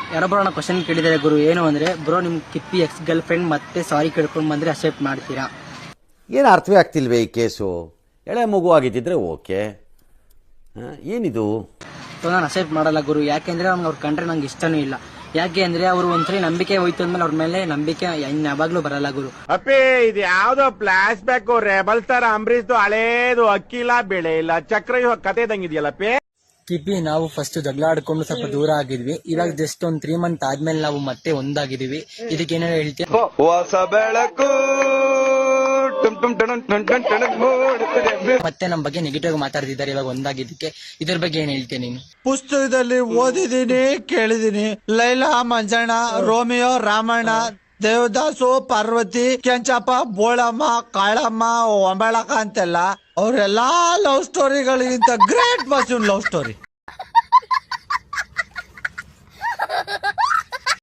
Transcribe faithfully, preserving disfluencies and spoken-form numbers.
ಯಾರೊಬ್ಬರನ್ನ question ಕೇಳಿದ್ದಾರೆ ಗುರು, ಏನು ಅಂದ್ರೆ ಬ್ರೋ ನಿಮ್ ಕಿಪ್ಪಿ ಎಕ್ಸ್ ಗರ್ಲ್ ಫ್ರೆಂಡ್ ಮತ್ತೆ ಸಾರಿ ಕೇಳ್ಕೊಂಡು ಬಂದ್ರೆ ಅಕ್ಸೆಪ್ಟ್ ಮಾಡ್ತೀರಾ? ಏನು ಅರ್ಥವೇ ಆಗ್ತಿಲ್ವೇ ಈ ಕೇಸು? ಎಳೆ ಮಗು ಆಗಿದ್ದಿದ್ರೆ ಓಕೆ, ಏನಿದು? ಸೊ ನಾನು ಅಕ್ಸೆಪ್ಟ್ ಮಾಡಲ್ಲ ಗುರು, ಯಾಕೆಂದ್ರೆ ಅವ್ನಿಗೆ ಅವ್ರ ಕಂಡ್ರೆ ನಂಗೆ ಇಷ್ಟನೂ ಇಲ್ಲ. ಯಾಕೆ ಅಂದ್ರೆ ಅವ್ರು ಒಂದ್ಸರಿ ನಂಬಿಕೆ ಹೋಯ್ತು ಅಂದ್ಮೇಲೆ ಅವ್ರ ಮೇಲೆ ನಂಬಿಕೆ ಯಾವಾಗ್ಲೂ ಬರಲ್ಲ ಗುರು. ಅಪ್ಪೇ ಇದು ಯಾವ್ದೋ ಫ್ಲಾಶ್ ಬ್ಯಾಕ್ ರೆಬಲ್ ತರ ಅಂಬರೀಶ್ದು ಹಳೇದು ಅಕ್ಕಿಲ್ಲ ಬೆಳೆ ಇಲ್ಲ ಚಕ್ರ ಕತೆ ಇದಂಗಿದೆಯಲ್ಲಪ್ಪೇ. ಕಿಪಿ ನಾವು ಫಸ್ಟ್ ಜಗಳ ಆಡ್ಕೊಂಡು ಸ್ವಲ್ಪ ದೂರ ಆಗಿದ್ವಿ, ಇವಾಗ ಜಸ್ಟ್ ಒಂದ್ ತ್ರೀ ಮಂತ್ ಆದ್ಮೇಲೆ ನಾವು ಮತ್ತೆ ಒಂದಾಗಿದೀವಿ. ಇದಕ್ಕೆ ಏನಾರ ಹೇಳ್ತೀವಿ? ಹೊಸ ಬೆಳಕು ಮತ್ತೆ ನಮ್ ಬಗ್ಗೆ ನೆಗೆಟಿವ್ ಮಾತಾಡ್ತಿದ್ದಾರೆ ಇವಾಗ ಒಂದಾಗಿದ್ದಕ್ಕೆ. ಇದ್ರ ಬಗ್ಗೆ ಏನ್ ಹೇಳ್ತೀನಿ ನೀನು? ಪುಸ್ತಕದಲ್ಲಿ ಓದಿದೀನಿ, ಕೇಳಿದೀನಿ. ಲೈಲಾ ಮಂಜಣ್ಣ, ರೋಮಿಯೋ ರಾಮಣ್ಣ, ದೇವದಾಸು, ಪಾರ್ವತಿ, ಕೆಂಚಪ್ಪ, ಬೋಳಮ್ಮ, ಕಾಳಮ್ಮ, ಒಂಬಳಕ ಅಂತೆಲ್ಲ ಅವರೆಲ್ಲಾ ಲವ್ ಸ್ಟೋರಿಗಳಿಗಿಂತ ಗ್ರೇಟ್ ಮಸೂನ್ ಲವ್ ಸ್ಟೋರಿ.